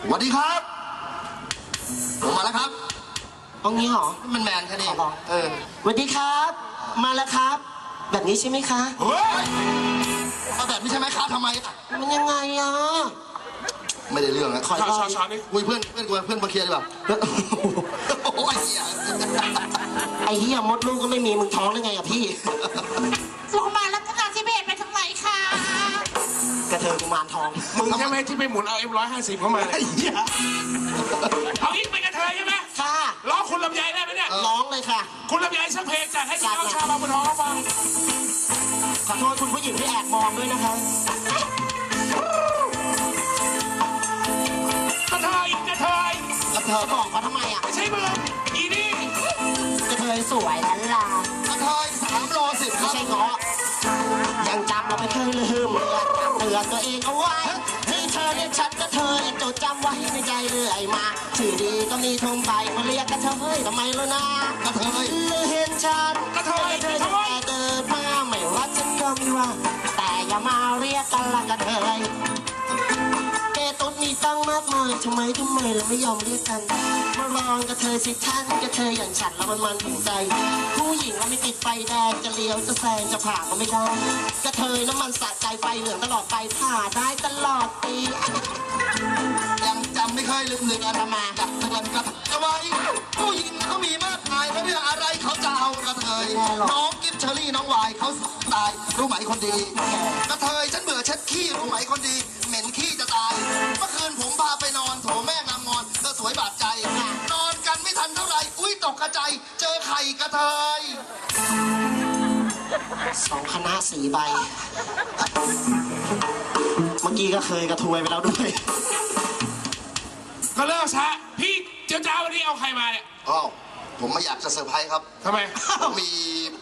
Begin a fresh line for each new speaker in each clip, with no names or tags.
สวัสดีครับผมมาแล้วครับ
ตรงนี้เหรอ
มันแมนแค่นี้
สวัสดีครับมาแล้วครับแบบนี้ใช่ไหมคะ
เฮ้ยมาแบบนี้ใช่ไหมครับทำไม
มันยังไงอ่ะ
ไม่ได้เรื่องนะ
ขอ
ช้อนนี่
คุยเพื่อนมาเคลียร์ดีกว่าโอ้ยเหี้ย
ไอ้เหี้ยมดลูกก็ไม่มีมึงท้องได้ไงอ่ะพี่
โรงพยาบาลรัตนาธิเบศไปทางไหนคะ
กระเทยกุมารทอง
มึงใช่ไหมที่ไปหมุนเอาM150เข้ามาไอ้เหี้ยเอาอีกเป็นกระเทยใช่ไหม
ค่ะ
ร้องคุณลำไยได้ไหมเนี่ย
ร้องเลยค่ะ
คุณลำไยสักเพลงจัดให้พี่น้องชาวบางบัวทองเขาฟัง
ขอโทษคุณผู้หญิงที่แอบมองด้วยนะคะ
กระเทย
บอกเขาทำไมอ่ะ
ไม่ใช่มึงอีนี่
กระเทยสวยล้านลาก
ระเทย3 โล 10
ไม่ใช่เงาะยังจำเราไม่เคยลืมเตือนตัวเองเอาไว้ให้เธอเรียกฉันกระเทยจดจำไว้ในใจเรื่อยมาชื่อดีก็มีทุ่มไปมาเรียกกระเทยทำไมล่ะนะ
กระเทย
เห็นฉัน
กระเทย
แต่เกิดมาไม่ว่าฉันก็ไม่ว่าแต่อย่ามาเรียกกันละกระเทยต้นมีตั้งมากมายทำไมเราไม่ยอมเรียกกันมาลองกระเทยสิท่านกระเทยอย่างฉันแล้วมันถึงใจผู้หญิงเราไม่ติดไฟแดงจะเลี้ยวจะแซงจะผ่าก็ไม่ได้กระเทยน้ำมันสะใจไฟเหลืองตลอดไปผ่าได้ตลอดปี
ยังจำไม่เคยลืมอะไรมาดักเตือนกระเทยเอาไว้ผู้หญิงเขามีมากมายเพราะเรื่องอะไรเขาจะเอากระเทยน้องกิฟเชอรี่น้องวายเขาตายรู้ไหมคนดีกระเทยฉันเบื่อเช็ดขี้รู้ไหมคนดีเหม็นขี้จะตายเมื่อคืนผมพาไปนอนโถแม่งามงอนเธอสวยบาดใจนอนกันไม่ทันเท่าไหร่อุ้ยตกกระจายเจอไข่กระเทย
2 คณะ 4 ใบเมื่อกี้ก็เคยกระทวยไปแล้วด้วย
ก็เลิกซะพี่เจ้าวันนี้เอาใครมาเนี่ย
อ้าวผมไม่อยากจะเซอร์ไพรส์ครับ
ทำไม
ผมมี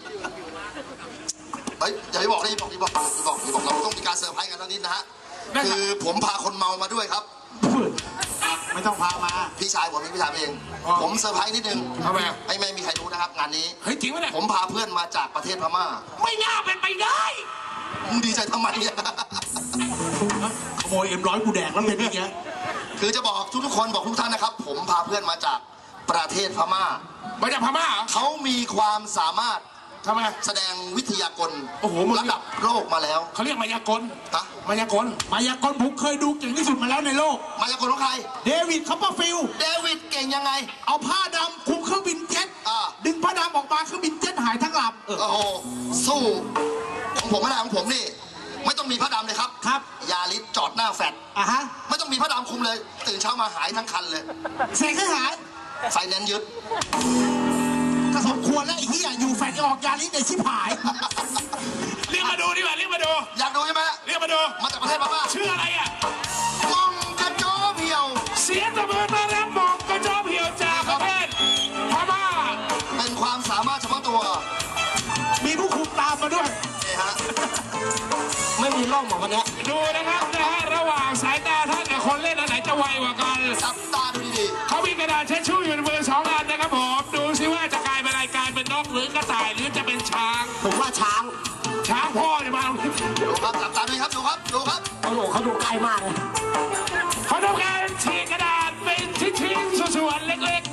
เฮ้ยอย่าไปบอกเลยบอกเราต้องมีการเซอร์ไพรส์กันแล้วนิดนะฮะคือผมพาคนเมามาด้วยครับ
ไม่ต้องพามา
พี่ชายผมพี่ชายเองผมเซอร์ไพรส์นิดนึง
ทำไม
ให้ไม่มีใครรู้นะครับงานนี้
เฮ้ยจริงไหมเนี่ย
ผมพาเพื่อนมาจากประเทศพม่า
ไม่น่าเป็นไปได้
มึงดีใจทำไมเนี่ย
ขโมยM100กูแดกแล้วเป็นอย่างเงี้ย
คือจะบอกทุกคนบอกทุกท่านนะครับผมพาเพื่อนมาจากประเทศพม่า
มาจากพม่าเหรอ
เขามีความสามารถ
ทำไม
แสดงวิทยากล
โอ้โห
ระดับโลกมาแล้ว
เขาเรียกมายากล
มายากล
ผมเคยดูเก่งที่สุดมาแล้วในโลก
มายากลของใคร
เดวิดคัพเปอร์ฟิลด์
เดวิดเก่งยังไง
เอาผ้าดำคลุมเครื่องบินเจ็ตดึงผ้าดำออกมาเครื่องบินเจ็ตหายทั้งลำ
โอ้โหสู้ของผมไม่ได้ของผมนี่ไม่ต้องมีผ้าดำเลยครับยาลิสจอดหน้าแฟดไม่ต้องมีผ้าดำคุมเลยตื่นเช้ามาหายทั้งคันเลย
เสกให้หาย
ไฟแนนซ์ยึด
ก็สมควรแล้วไอ้ที่อยู่แฟนออกยาลิสในชิบหาย
เรียกมาดูดิว่าเรียกมาดู
อยากดูใช่ไหม
เรียกมาดู
มาจากประเทศพม่า
ชื่ออะไรอ่ะ
มองกระโจเพียว
เสียงตะเบิดมาแล้วมองกระโจเพียวจากประเทศพม่า
เป็นความสามารถเฉพาะตัว
มีผู้คุมตามมาด้วย
นี่ฮะ
ไม่มีร่องหมดวันนี้
ดูนะครับระหว่างสายตาท่านกับคนเล่นอันไหนจะไวกว่ากัน
จับตาดูดี
เขามีกระดาษเช็ดชู่อยู่ในมือ2 อันนะครับผมดูซิว่าจะกลายเป็นอะไรกลายเป็นนกหรือกระต่ายหรือจะเป็นช้าง
ผมว่าช้าง
พ่อเนี่ยมา
ดูครับจับตาดูครับดูครับ
โอ้โหเขาดูใกล้มากเลย
เขาทำการฉีกกระดาษเป็นชิ้นๆส่วนๆเล็กๆ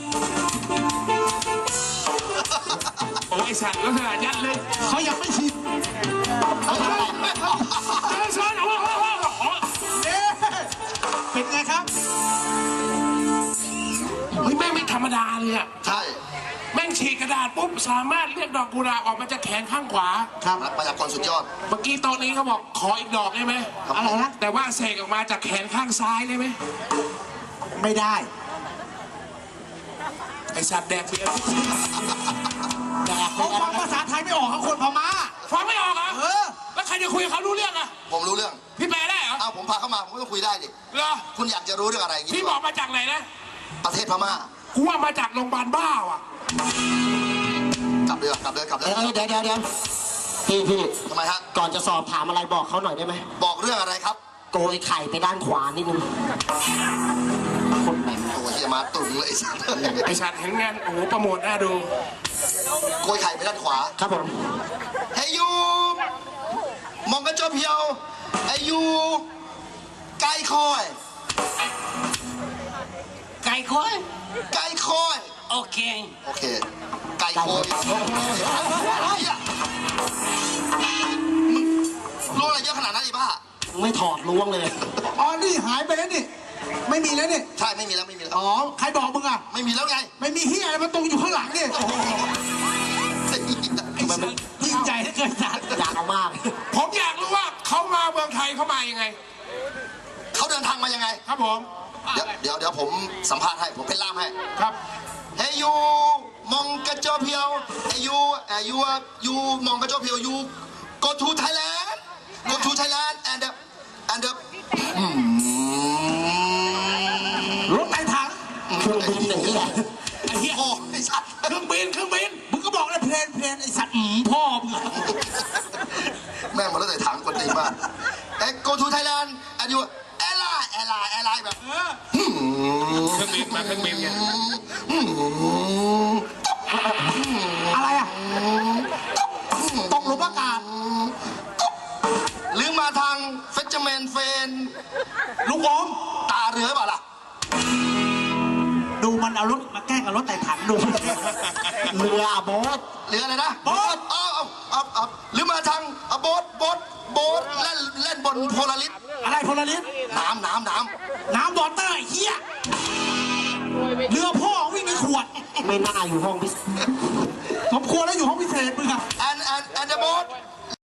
โอ้ยสัตว์ลักษณะยัดเลย
เขายังไม่ชินเป็นไงครับ
เฮ้ยแม่งไม่ธรรมดาเลยอ่ะ
ใช่
แม่งฉีกกระดาษปุ๊บสามารถเรียกดอกกุหลาบออกมาจากแขนข้างขวา
ครับมายากลสุดยอด
เมื่อกี้โต๊ะนี้เขาบอกขออีกดอกได้ไหม
อะไรนะ
แต่ว่าเสกออกมาจากแขนข้างซ้ายได้ไหม
ไม่ได้
ไอสัตว์แดกเบียร์
เขาฟังภาษาไทยไม่ออกเขาคนพม่า
ฟังไม่ออกเหรอแล้วใครจะคุยกับเขารู้เรื่องอ่ะ
ผมรู้เรื่อง
พี่แปลได้เหรอ
ผมพาเข้ามาผมก็ต้องคุยได้ดิ
เหรอ
คุณอยากจะรู้เรื่องอะไร
พี่บอกมาจากไหนนะ
ประเทศพม่า
กูว่ามาจากโรงพยาบาลบ้าว่ะ
กลับเลย
เดี๋ยวพี่
ทำไมฮะ
ก่อนจะสอบถามอะไรบอกเขาหน่อยได้ไหม
บอกเรื่องอะไรครับ
โกยไข่ไปด้านขวานิดนึงคนแหม่
ตัวที่มาตุ่มเลย
ไอสัตว์เห็นงานโอ้โหประโมทน่าดู
โกยไข่ไปด้านขวา
ครับผม
เฮ้ยยูมองกระโจเพียวเฮ้ยยูไก่คอย
โอเค
โอเค ไก่โคยมึงรู้อะไรเยอะขนาดนั้นอีบ้า
ไม่ถอดล้วงเลย
อ๋อนี่หายไปแล้วนี่ไม่มีแล้วนี่
ใช่ไม่มีแล้วไม่มีแล้ว
อ๋อใครบอกมึงอ่ะ
ไม่มีแล้วไง
ไม่มีเฮียอะไรมาตรงอยู่ข้างหลังนี่
มันยิ่งใจเหลือเกินจัดอยากเอามาก
ผมอยากรู้ว่าเขามาเมืองไทยเขามายังไง
เขาเดินทางมายังไง
ครับผม
เดี๋ยวผมสัมภาษณ์ให้ผมเป็นล่ามให้
ครับ
เฮ้ยยูมองกระจกเพียวเฮ้ยยูมองกระจกเพียว you go to Thailand go to Thailand and
รถไต่ถัง
เครื่องบินหนึ่งที่ไหน
ไอ้เหี้ย
โอ้ไอ้สัตว์
เครื่องบินมึงก็บอกเลยเพลนไอ้สัตว์พ่อมึงอะ
แม่งมาแล้วแต่ถังคนตีมากเอ้ย go to Thailand and you แอร์ไลน์แบบ
เครื่องบินมาเครื่องบินไง
อะไรอ่ะตกหลุมอากาศ
หรือมาทางเฟชเมนเฟน
ลูกอม
ตาเรือเปล่าล่ะ
ดูมันเอารถมาแกล้งกับรถไต่ถังดู
เรือโบ๊ท
เรืออะไรนะ
โบ๊ท
เอาหรือมาทางโบ๊ทเล่นบนโพลาริส
อะไรพลลิส
น้ำ
น้ำวอเตอร์ไอ้เหี้ยเรือพ่อวิ่งในขวด
ไม่น่าอยู่ห้องพิเศษ
สมควรแล้วอยู่ห้องพิเศษมึงอะ